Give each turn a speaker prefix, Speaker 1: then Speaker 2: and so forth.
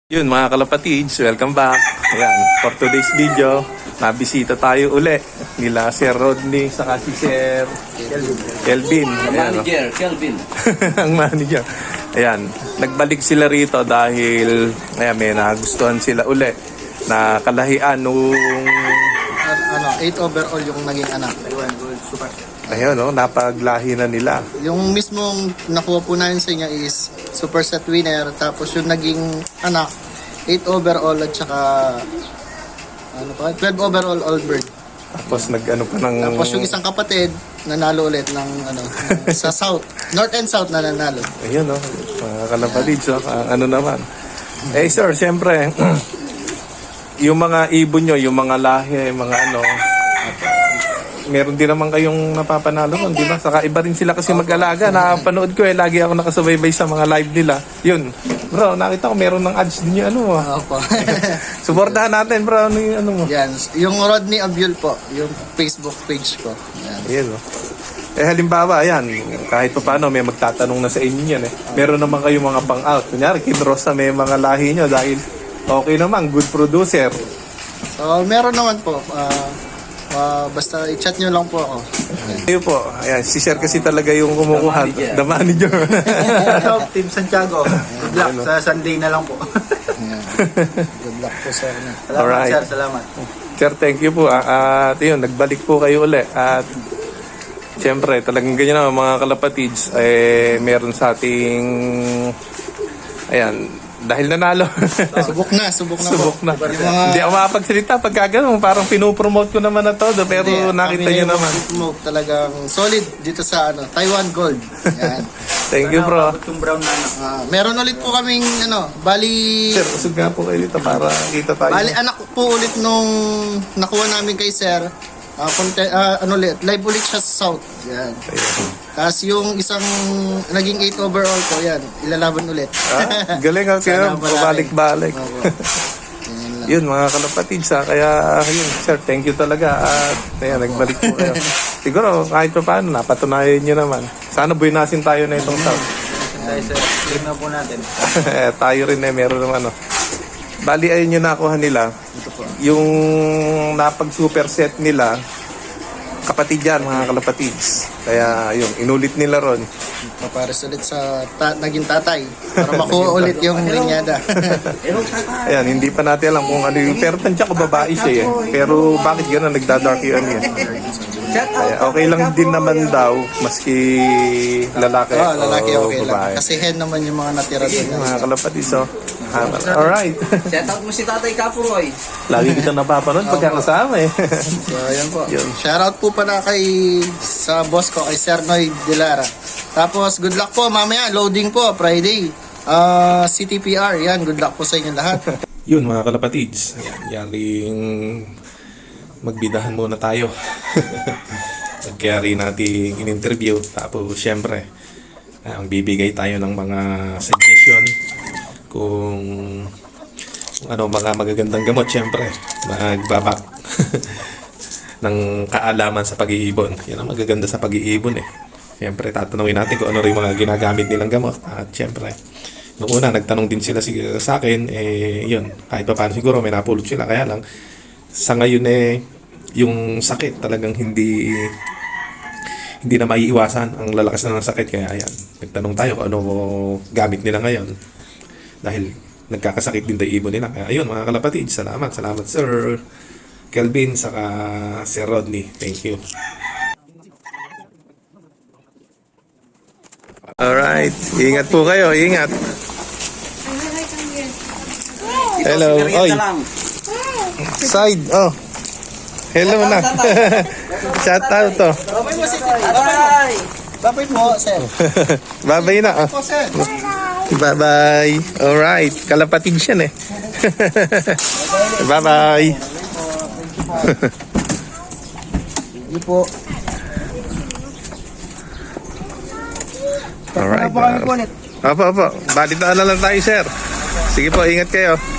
Speaker 1: Yun mga kalapatids, welcome back. Ayan, for today's video, nabisita tayo uli nila Sir Rodney saka si Sir Kelvin. Ayan,
Speaker 2: Manager, Kelvin.
Speaker 1: ang manager. Ayan, nagbalik sila rito dahil may nagustuhan sila uli na kalahian nung
Speaker 3: 8 overall yung naging anak.
Speaker 1: ayun, napaglahi na nila.
Speaker 3: Yung mismong nakuha po namin sa inyo is super set winner. Tapos yung naging anak, 8 overall at saka 12 overall all bird.
Speaker 1: Tapos nag-ano pa ng...
Speaker 3: Tapos yung isang kapatid, nanalo ulit ng sa south. North and south na nanalo.
Speaker 1: Ayun, mga kalapatids, ano naman. Sir, siyempre, yung mga ibon nyo, yung mga lahi, mga meron din naman kayong napapanalo nun, di ba? Saka iba rin sila kasi mag-alaga. Napanood ko lagi ako nakasubaybay sa mga live nila. Yun. Bro, nakita ko meron ng ads din yung
Speaker 3: Opo.
Speaker 1: Suportahan natin, bro. Ano yung mo?
Speaker 3: Yan. Yung Rodney Abiol po, yung Facebook page ko. Yan.
Speaker 1: Ayan, halimbawa, ayan, kahit pa paano, may magtatanong na sa inyo yan Meron naman kayong mga pang-out. Kunyari, kinrosa may mga lahi nyo dahil okay naman, good producer.
Speaker 3: So, meron naman po. Basta i-chat nyo lang po ako.
Speaker 1: Ayun po, ayan, si Sir kasi talaga yung kumukuha. The manager.
Speaker 4: Hello, Team Santiago. Good luck sa Sunday na lang po.
Speaker 3: Good luck po sir.
Speaker 4: Salamat
Speaker 1: Alright.
Speaker 4: sir, salamat.
Speaker 1: Sir, thank you po. At yun, nagbalik po kayo uli. At siyempre, talagang ganyan naman mga kalapatids, meron sa ating, ayan, dahil nanalo.
Speaker 3: Subok na po.
Speaker 1: Subok na.
Speaker 3: Yung mga-
Speaker 1: Hindi ako makapagsalita pagka ganun. Parang pinopromote ko naman na todo. Pero
Speaker 3: Hindi,
Speaker 1: nakita
Speaker 3: kami
Speaker 1: nyo
Speaker 3: na
Speaker 1: naman.
Speaker 3: yung promote talagang solid dito sa Taiwan Gold. Yan.
Speaker 1: Thank you, bro.
Speaker 4: Abot yung brown na
Speaker 3: Meron ulit po kaming bali
Speaker 1: Sir, usog nga po kayo dito para kita tayo.
Speaker 3: anak po ulit nung nakuha namin kay sir. Live ulit siya sa South. Yan. Tapos yung isang naging 8 overall ko, yan, ilalaban ulit.
Speaker 1: Galing ang sir.
Speaker 3: Sana malaki.
Speaker 1: Pabalik-balik.
Speaker 3: Opo. Yan lang.
Speaker 1: Yun mga kalapatids Kaya yun sir, thank you talaga. At ayan, nagbalik po kayo. Siguro kahit pa paano, napatunayan nyo naman. Sana buwinasin tayo na itong South.
Speaker 4: tayo sir. Claim na po natin.
Speaker 1: Tayo rin meron naman Bali ayun yung nakuha nila. Yung napag-superset nila, kapatid yan, mga kalapatids. Kaya yun, inulit nila ron.
Speaker 3: Papares ulit sa naging tatay para makuha ulit yung linyada.
Speaker 1: Ayan, hindi pa natin alam kung ano yung... Pero tansya ko babae siya Pero bakit gano'n nagda-dark yun Kaya okay lang din naman daw, maski lalaki
Speaker 3: Lalaki
Speaker 1: o
Speaker 3: okay
Speaker 1: babae.
Speaker 3: lang. Kasi hen naman yung mga natira doon.
Speaker 1: Mga kalapatids alright.
Speaker 2: Shout out mo si Tatay Kapuroy.
Speaker 1: Lagi kita napapanood pagkakasama
Speaker 3: So, ayan po.
Speaker 1: Yun.
Speaker 3: Shoutout po pala sa boss ko, kay Sir Noy Dilara. Tapos, good luck po mamaya. Loading po, Friday. CTPR, yan. Good luck po sa inyo lahat.
Speaker 1: Yun mga kalapatids, yaring magbidahan muna tayo. Nagkayari natin in-interview. Tapos syempre, ang bibigay tayo ng mga suggestion kung ano mga magagandang gamot. Syempre, magbabak ng kaalaman sa pag-iibon. Yan ang magaganda sa pag-iibon Syempre, tatanungin natin kung ano rin mga ginagamit nilang gamot. At syempre, noong una, nagtanong din sila sa akin, yun, kahit pa paano siguro may napulot sila. Kaya lang, sa ngayon yung sakit talagang hindi na maiiwasan ang lalakas na ng sakit. Kaya ayan, nagtanong tayo kung ano gamit nila ngayon. Dahil nagkakasakit din tayo ibon nila. Kaya ayun mga kalapatid, salamat Sir Kelvin saka Sir Rodney. Thank you. Alright, ingat po kayo, ingat. Hello, oy. Side, hello na. Shout out
Speaker 3: Babay mo, Sir. Babay! Babay mo, Sir.
Speaker 1: Babay na
Speaker 3: Po, Sir.
Speaker 1: Bye-bye. Alright, kalapatid siya Bye-bye.
Speaker 3: Hindi po.
Speaker 1: Alright. Opo. Balitaan na lang tayo, sir. Sige po, ingat kayo.